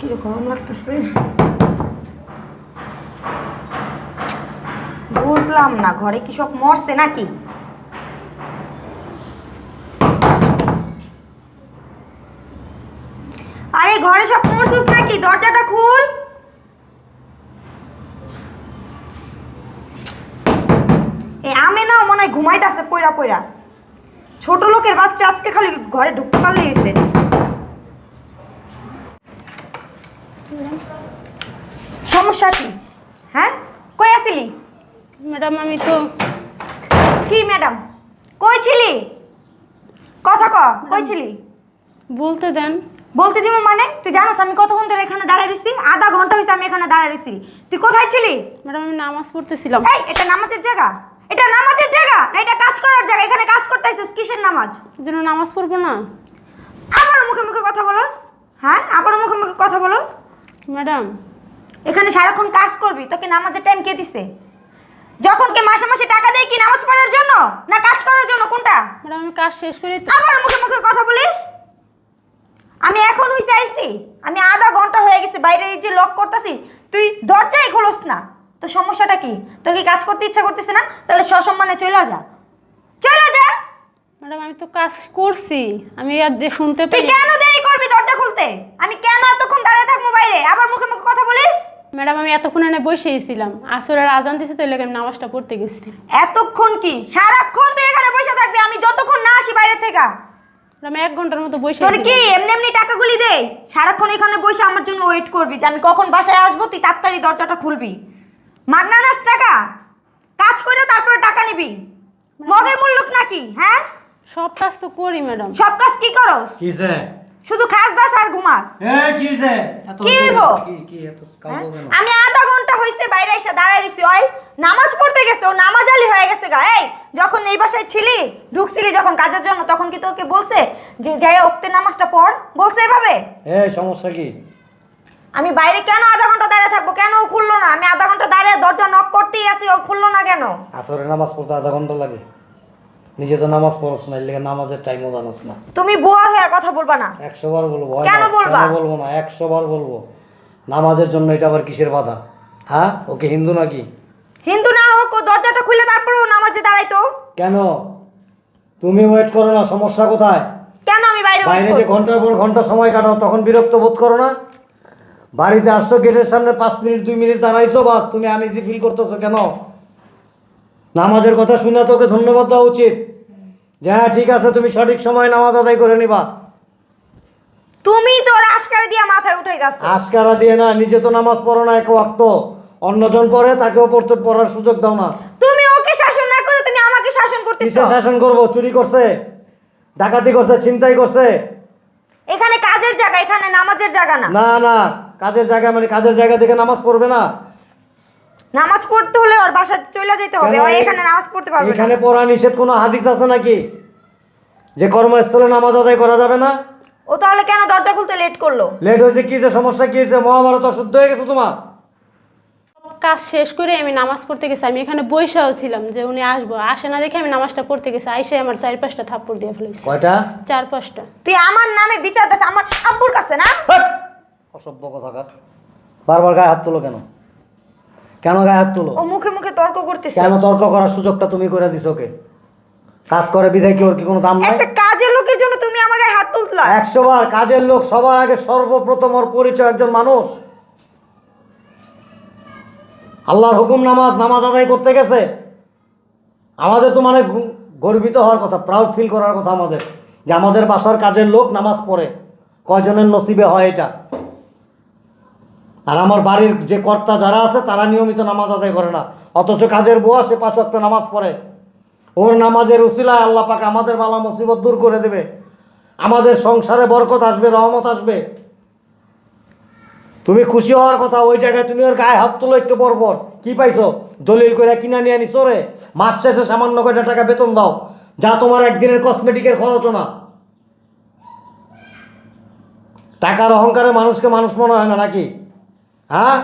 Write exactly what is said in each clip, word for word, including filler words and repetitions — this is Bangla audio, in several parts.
কি গরম লাগতেছে, বুঝলাম না ঘরে কি সব মরছে নাকি? আরে ঘরে সব মরছিস নাকি? দরজাটা খুল। এ আমে না মনে হয় ঘুমাইতেছে পয়রা পয়রা। ছোট লোকের বাচ্চা আজকে খালি ঘরে ঢুকতে পারলেই হয়েছে। সমস্যা কি? হ্যাঁ কই আসিলি? ম্যাডাম আমি তো কি ম্যাডাম কই ছিলি? কথা ক, কই ছিলি? বলতে দেন। বলতে দিব মানে? তুই জানোস আমি কতক্ষণ ধরে এখানে দাঁড়ায় রইছি? আধা ঘন্টা হয়েছে আমি এখানে দাঁড়ায় রইছি। তুই কোথায় ছিলি? ম্যাডাম আমি নামাজ পড়তেছিলাম। এই এটা নামাজের জায়গা? এটা নামাজের জায়গা না এটা কাজ করার জায়গা? এখানে কাজ করতে আইছিস কিসের নামাজ? যেন নামাজ পড়বো না। আবার মুখে মুখে কথা বলস? হ্যাঁ আবার মুখে মুখে কথা বলস? ম্যাডাম এখানে সারাক্ষণ কাজ করবি, তোকে নামাজের টাইম কে দিছে? যখন কে মাসে মাসে টাকা দেয় কি নামাজ পড়ার জন্য না কাজ করার জন্য, কোনটা? ম্যাডাম আমি কাজ শেষ করে তো আবার মুখে মুখে কথা বলিস? আমি এখন হইছে আইছি, আমি আধা ঘন্টা হয়ে গেছে বাইরে এই যে লক করতেছি, তুই দরজাই খোলস না। তো সমস্যাটা কি? তোর কি কাজ করতে ইচ্ছা করতেছে না? তাহলে সসম্মানে চলে যা, চলে যা। ম্যাডাম আমি তো কাজ করছি, আমি আর যে শুনতে তুই পাই। কেন দেরি করবি দরজা খুলতে? আমি কেন এতক্ষণ দাঁড়িয়ে থাকবো বাইরে? আবার মুখে মুখে কথা বলিস? ম্যাডাম আমি এতক্ষণ এনে বসেই ছিলাম, আসরের আজান দিছে তো এর লাগি আমি নামাজটা পড়তে গেছি। এতক্ষণ কি? সারাক্ষণ তুই এখানে বসে থাকবি আমি যতক্ষণ না আসি বাইরে থেকে? আমি এক ঘন্টার মতো বসে তোর কি এমনি এমনি টাকাগুলি দেই? সারাক্ষণ এখানে বসে আমার জন্য ওয়েট করবি যে আমি কখন বাসায় আসবো, তুই তাড়াতাড়ি দরজাটা খুলবি। মাগনা নাস টাকা? কাজ করে তারপরে টাকা নিবি? মগের মূল্য নাকি? হ্যাঁ সব কাজ তো করি ম্যাডাম। সব কাজ কি করস? কিছে শুধু খাস দাস আর ঘুমাস। এ কিছে এত কি হইবো? কি কি এত হ্যাঁ? কালো কেন? আমি আধা ঘন্টা হইছে বাইরে এসে দাঁড়ায় রইছি, ওই নামাজ পড়তে গেছে, ও নামাজ আলি হয়ে গেছে গা। এই যখন এই বাসায় ছিলি, ঢুকছিলি যখন কাজের জন্য, তখন কি তোকে বলছে যে যাই ওক্তে নামাজটা পড়? বলছে এভাবে? এ সমস্যা কি? আমি বাইরে কেন আধা ঘন্টা দাঁড়িয়ে থাকবো? কেন ও খুললো না? আমি আধা ঘন্টা দাঁড়িয়ে দরজা নক করতেই আছি, ও খুললো না কেন? আসরে নামাজ পড়তে আধা ঘন্টা লাগে? নিজে তো নামাজ পড়ছ না, এর লেগে নামাজের টাইমও জানাস না। তুমি বুয়ার হয়ে কথা বলবা না। একশো বার বলবো। হয় কেন না? বলবা? কেন বলবো না? একশো বার বলবো। নামাজের জন্য এটা আবার কিসের বাধা? হ্যাঁ ওকে হিন্দু নাকি? হিন্দু না হোক, ও দরজাটা খুলে তারপরে ও নামাজে দাঁড়াইতো। কেন তুমি ওয়েট করো না? সমস্যা কোথায়? কেন আমি বাইরে wait বাইরে যে করবো? ঘন্টার পর ঘন্টা সময় কাটাও তখন বিরক্ত বোধ করো না? বাড়িতে আসছো, গেটের সামনে পাঁচ মিনিট দুই মিনিট দাঁড়াইছো, বাস তুমি আনইজি ফিল করতেছো কেন? নামাজের কথা শুনে তোকে ধন্যবাদ দেওয়া উচিত যে হ্যাঁ ঠিক আছে তুমি সঠিক সময় নামাজ আদায় করে নিবা। তুমি তো ওর আশকারা দিয়ে মাথায় উঠাই যাচ্ছ। আশকারা দিয়ে না, নিজে তো নামাজ পড়ো না এক ওয়াক্ত, অন্যজন পড়ে তাকেও পড়তে পড়ার সুযোগ দাও না। তুমি ওকে শাসন না করে তুমি আমাকে শাসন করতেছো। কিসে শাসন করবো? চুরি করছে, ডাকাতি করছে, ছিনতাই করছে? এখানে কাজের জায়গা, এখানে নামাজের জায়গা না। না না, কাজের জায়গা মানে কাজের জায়গা থেকে নামাজ পড়বে না? নামাজ পড়তে হলে ওর বাসায় চলে যেতে হবে, কেন? ও এখানে নামাজ পড়তে পারবে না। এখানে পড়া নিষেধ কোনো হাদিস আছে নাকি যে কর্মস্থলে নামাজ আদায় করা যাবে না? ও তাহলে কেন দরজা খুলতে লেট করলো? লেট হয়েছে কি যে সমস্যা কি হয়েছে? মহাভারত অশুদ্ধ হয়ে গেছে তোমার? কাজ শেষ করে আমি নামাজ পড়তে গেছি, আমি এখানে বসেও ছিলাম যে উনি আসবো, আসে না দেখে আমি নামাজটা পড়তে গেছি, আইসে আমার চার পাঁচটা থাপ্পড় দিয়ে ফেলেছি। কয়টা? চার পাঁচটা। তুই আমার নামে বিচার দিস আমার আব্বুর কাছে না? হাট! অসভ্য কথাকার, বারবার গায়ে হাত তুলো কেন? কেন গায়ে হাত তুলো? ও মুখে মুখে তর্ক করতেছে। কেন তর্ক করার সুযোগটা তুমি করে দিছো ওকে? কাজ করে বিধায় কি ওর কি কোনো দাম নাই? একটা কাজের লোকের জন্য তুমি আমার গায়ে হাত তুললা? একশো বার কাজের লোক, সবার আগে সর্বপ্রথম ওর পরিচয় একজন মানুষ। আল্লাহর হুকুম নামাজ, নামাজ আদায় করতে গেছে। আমাদের তো মানে গু- গর্বিত হওয়ার কথা, প্রাউড ফিল করার কথা আমাদের, যে আমাদের বাসার কাজের লোক নামাজ পড়ে। কয়জনের নসিবে হয় এটা? আর আমার বাড়ির যে কর্তা যারা আছে তারা নিয়মিত নামাজ আদায় করে না, অথচ কাজের বুয়া সে পাঁচ ওয়াক্ত নামাজ পড়ে। ওর নামাজের উসিলায় আল্লাহ পাক আমাদের বালা মুসিবত দূর করে দেবে, আমাদের সংসারে বরকত আসবে, রহমত আসবে। তুমি খুশি হওয়ার কথা, ওই জায়গায় তুমি ওর গায়ে হাত তুলো একটু পর পর। কি পাইছো? দলিল করে কিনা নিয়ে আনি চোরে। মাস শেষে সামান্য কয়টা টাকা বেতন দাও, যা তোমার একদিনের কসমেটিকের খরচও না। টাকার অহংকারে মানুষকে মানুষ মনে হয় না নাকি? হ্যাঁ,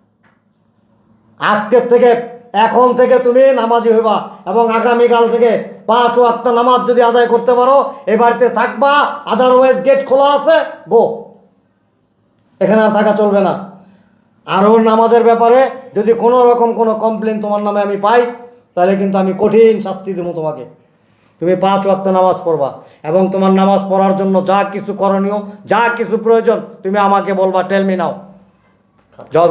আজকের থেকে এখন থেকে তুমি নামাজি হইবা এবং আগামীকাল থেকে পাঁচ ওয়াক্ত নামাজ যদি আদায় করতে পারো এ বাড়িতে থাকবা, আদারওয়াইজ গেট খোলা আছে, গো। এখানে আর থাকা চলবে না। আর ওর নামাজের ব্যাপারে যদি কোনো রকম কোনো কমপ্লেন তোমার নামে আমি পাই, তাহলে কিন্তু আমি কঠিন শাস্তি দেবো তোমাকে। তুমি পাঁচ ওয়াক্ত নামাজ পড়বা এবং তোমার নামাজ পড়ার জন্য যা কিছু করণীয়, যা কিছু প্রয়োজন তুমি আমাকে বলবা, টেল মি নাও। যাও।